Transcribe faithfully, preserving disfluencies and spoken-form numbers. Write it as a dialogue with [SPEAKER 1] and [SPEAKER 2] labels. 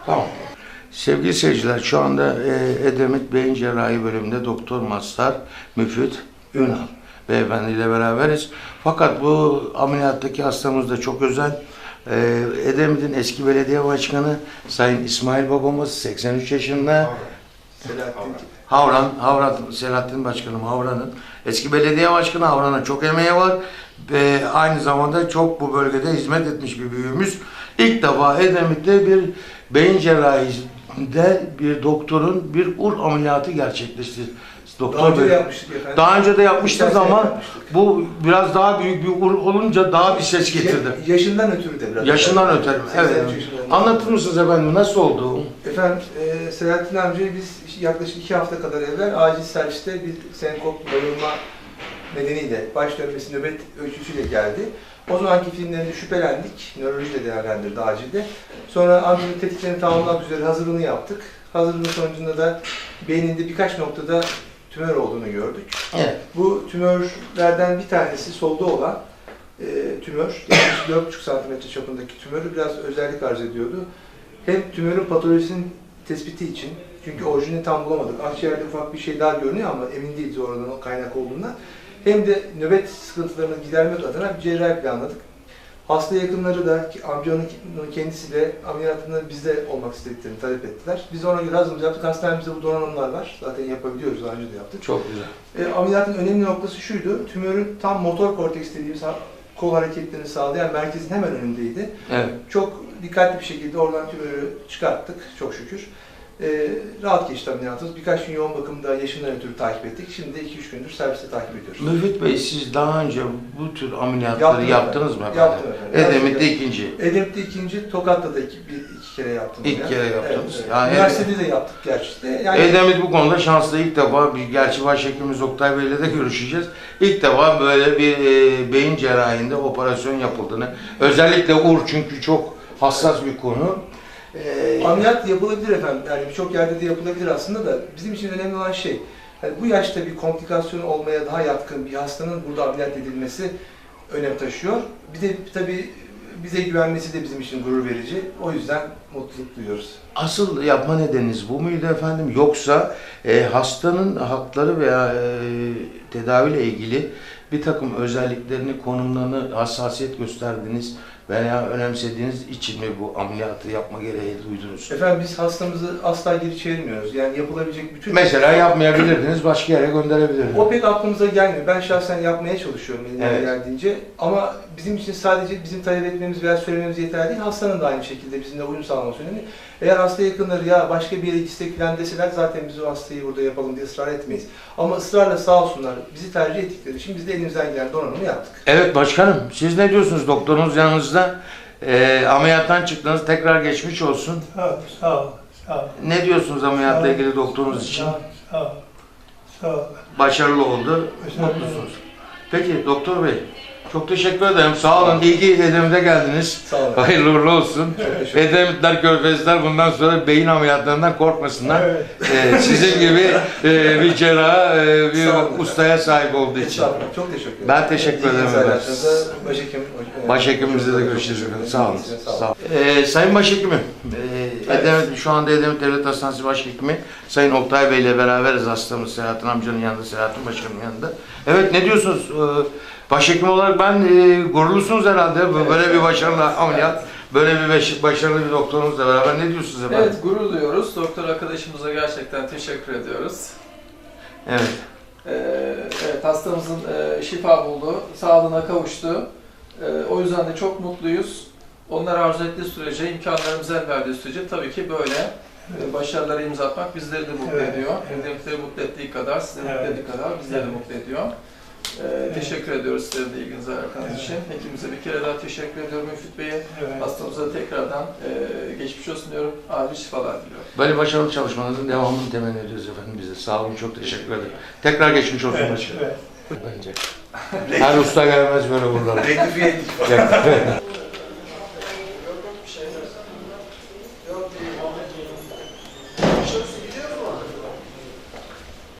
[SPEAKER 1] Tamam. Sevgili seyirciler, şu anda e, Edremit Beyin Cerrahi bölümünde Doktor Mazhar Müfit Ünal beyefendiyle beraberiz. Fakat bu ameliyattaki hastamız da çok özel. E, Edremit'in eski belediye başkanı Sayın İsmail babamız seksen üç yaşında.
[SPEAKER 2] Selahattin.
[SPEAKER 1] Havran, Havran, Selahattin Başkanım Havran'ın eski belediye başkanı. Havran'ın çok emeği var ve aynı zamanda çok bu bölgede hizmet etmiş bir büyüğümüz. İlk defa Edremit'te bir beyin cerrahisinde bir doktorun bir ur ameliyatı gerçekleşti. Doktor
[SPEAKER 2] Daha önce
[SPEAKER 1] Bey,
[SPEAKER 2] de yapmıştık efendim.
[SPEAKER 1] daha önce de yapmıştınız
[SPEAKER 2] Geçen sene
[SPEAKER 1] ama
[SPEAKER 2] yapmıştık.
[SPEAKER 1] bu biraz daha büyük bir ur olunca daha bir ses getirdi.
[SPEAKER 2] Ya- yaşından ötürü de biraz.
[SPEAKER 1] Yaşından ötürü, evet.
[SPEAKER 2] seksen üç yaşında.
[SPEAKER 1] Anlatır mısınız efendim, nasıl oldu?
[SPEAKER 2] Efendim, e, Selahattin amcayı biz yaklaşık iki hafta kadar evvel acil serviste bir senkop bayılma nedeniyle baş dönmesi nöbet ölçüsüyle geldi. O zamanki filmlerinde şüphelendik, nöroloji de değerlendirdi acilde. Sonra amcanın tetiklerini tamamlamak üzere hazırlığını yaptık. Hazırlığın sonucunda da beyninde birkaç noktada tümör olduğunu gördük.
[SPEAKER 1] Evet.
[SPEAKER 2] Bu tümörlerden bir tanesi solda olan e, tümör, yaklaşık dört buçuk santimetre çapındaki tümörü biraz özellik arz ediyordu. Hem tümörün patolojisinin tespiti için, çünkü orijinini tam bulamadık. Akciğerde ufak bir şey daha görünüyor ama emin değiliz oradan o kaynak olduğundan. Hem de nöbet sıkıntılarını gidermek adına bir cerrahi planladık. Hasta yakınları da amcanın kendisi de ameliyatında bizde olmak istediklerini talep ettiler. Biz ona göre hazırlık yaptık. Hastanemizde bu donanımlar var. Zaten yapabiliyoruz, daha önce de yaptık.
[SPEAKER 1] Çok güzel.
[SPEAKER 2] E, ameliyatın önemli noktası şuydu, tümörün tam motor korteks dediğimiz kol hareketlerini sağlayan merkezin hemen önündeydi.
[SPEAKER 1] Evet.
[SPEAKER 2] Çok dikkatli bir şekilde oradan tümörü çıkarttık, çok şükür. E, rahat geçti ameliyatımız. Birkaç gün yoğun bakımda yaşından ötürü takip ettik. Şimdi iki üç gündür serviste takip ediyoruz.
[SPEAKER 1] Müfit Bey, siz daha önce bu tür ameliyatları
[SPEAKER 2] Yaptım
[SPEAKER 1] yaptınız
[SPEAKER 2] efendim.
[SPEAKER 1] mı efendim?
[SPEAKER 2] Yaptım efendim.
[SPEAKER 1] Edremit'te ikinci.
[SPEAKER 2] Edremit'te ikinci, Tokat'ta da iki, bir, iki kere yaptım.
[SPEAKER 1] İlk
[SPEAKER 2] ya.
[SPEAKER 1] kere yaptınız.
[SPEAKER 2] Evet, evet.
[SPEAKER 1] Yani
[SPEAKER 2] Üniversitede de yaptık gerçi de. Yani
[SPEAKER 1] Edremit bu konuda şanslı, ilk defa, bir, gerçi başhekimimiz Oktay Bey'le de görüşeceğiz. İlk defa böyle bir e, beyin cerrahinde operasyon yapıldığını, özellikle ur, çünkü çok hassas bir konu. E,
[SPEAKER 2] ameliyat yapılabilir efendim. Yani birçok yerde de yapılabilir aslında da bizim için önemli olan şey, yani bu yaşta bir komplikasyon olmaya daha yatkın bir hastanın burada ameliyat edilmesi önem taşıyor. Bir de tabii bize güvenmesi de bizim için gurur verici. O yüzden mutluluk duyuyoruz.
[SPEAKER 1] Asıl yapma nedeniniz bu muydu efendim? Yoksa e, hastanın hakları veya e, tedaviyle ilgili bir takım özelliklerini, konumlarını hassasiyet gösterdiniz veya önemsediğiniz için mi bu ameliyatı yapma gereği duydunuz?
[SPEAKER 2] Efendim biz hastamızı asla geri çevirmiyoruz. Yani yapılabilecek bütün...
[SPEAKER 1] Mesela yapmayabilirdiniz, başka yere gönderebilirdiniz.
[SPEAKER 2] O pek aklımıza gelmiyor. Ben şahsen yapmaya çalışıyorum elimden
[SPEAKER 1] Evet.
[SPEAKER 2] geldiğince. Ama bizim için sadece bizim talep etmemiz veya söylememiz yeterli değil. Hastanın da aynı şekilde bizimle uyum sağlaması önemli. Eğer hasta yakınları ya başka bir yere gitsek falan deseler zaten biz o hastayı burada yapalım diye ısrar etmeyiz. Ama ısrarla sağ olsunlar bizi tercih ettikleri için biz de elimizden gelen donanımı yaptık.
[SPEAKER 1] Evet başkanım, siz ne diyorsunuz? Doktorunuz yanınızda, e, ameliyattan çıktınız, tekrar geçmiş olsun.
[SPEAKER 3] Sağ ol, sağ ol, sağ ol.
[SPEAKER 1] Ne diyorsunuz ameliyatla
[SPEAKER 3] Sağ ol.
[SPEAKER 1] ilgili doktorunuz için?
[SPEAKER 3] Sağ ol, sağ ol, sağ ol.
[SPEAKER 1] Başarılı oldu,
[SPEAKER 3] Başarılı
[SPEAKER 1] mutlusunuz. Peki doktor bey, çok teşekkür ederim. Sağ olun, iyi ki Edremit'e geldiniz.
[SPEAKER 2] Sağ olun.
[SPEAKER 1] Hayırlı uğurlu olsun.
[SPEAKER 2] teşekkür ederim.
[SPEAKER 1] Edremitler, Körfezler bundan sonra beyin ameliyatlarından korkmasınlar.
[SPEAKER 3] Evet.
[SPEAKER 1] Ee, sizin gibi e, bir cerraha, e, bir
[SPEAKER 2] Sağ olun.
[SPEAKER 1] ustaya sahip olduğu için.
[SPEAKER 2] Estağfurullah, çok teşekkür ederim.
[SPEAKER 1] Ben teşekkür
[SPEAKER 2] İyi
[SPEAKER 1] ederim
[SPEAKER 2] insanlar
[SPEAKER 1] efendim.
[SPEAKER 2] arasında Başhekim,
[SPEAKER 1] Başhekimimizle de görüşeceğiz efendim. Sağ olun.
[SPEAKER 2] Sağ olun.
[SPEAKER 1] Sağ olun. Ee, Sayın Başhekimim, e, Edremit, şu anda Edremit Devlet Hastanesi Başhekimi Sayın Oktay Bey ile beraberiz, hastamız Selahattin amcanın yanında, Selahattin Başkanımın yanında. Evet, ne diyorsunuz? Ee, Başhekim olarak ben e, gururlusunuz herhalde. Böyle
[SPEAKER 2] Evet.
[SPEAKER 1] bir başarılı ameliyat, böyle bir baş- başarılı bir doktorunuzla beraber ne diyorsunuz efendim?
[SPEAKER 4] Evet, gurur duyuyoruz. Doktor arkadaşımıza gerçekten teşekkür ediyoruz.
[SPEAKER 1] Evet.
[SPEAKER 4] Ee, evet, hastamızın e, şifa buldu, sağlığına kavuştu. Ee, o yüzden de çok mutluyuz. Onlar arzu ettiği sürece, imkanlarımız el verdiği sürece tabii ki böyle e, başarılara imza atmak bizleri de mutlu
[SPEAKER 3] Evet,
[SPEAKER 4] ediyor.
[SPEAKER 3] evet.
[SPEAKER 4] Edremitleri mutlu ettiği kadar, sizi
[SPEAKER 3] Evet.
[SPEAKER 4] mutlu ettiği kadar bizleri de
[SPEAKER 3] Evet.
[SPEAKER 4] mutlu ediyor. Ee,
[SPEAKER 3] Evet.
[SPEAKER 4] Teşekkür ediyoruz sizlere de ilginize alakanız
[SPEAKER 3] Evet.
[SPEAKER 4] için. Hekimimize bir kere daha teşekkür ediyorum Müfit Bey'e.
[SPEAKER 3] Evet.
[SPEAKER 4] Hastamıza da tekrardan e, geçmiş olsun diyorum. Acil şifalar diliyorum.
[SPEAKER 1] Böyle başarılı çalışmanızın devamını temenni ediyoruz efendim bize. Sağ olun, çok teşekkür ederim. Tekrar geçmiş olsun
[SPEAKER 3] Evet,
[SPEAKER 1] başkanım.
[SPEAKER 3] evet.
[SPEAKER 1] Bence. Her usta gelmez böyle buralara.
[SPEAKER 2] Rektifiye ettik.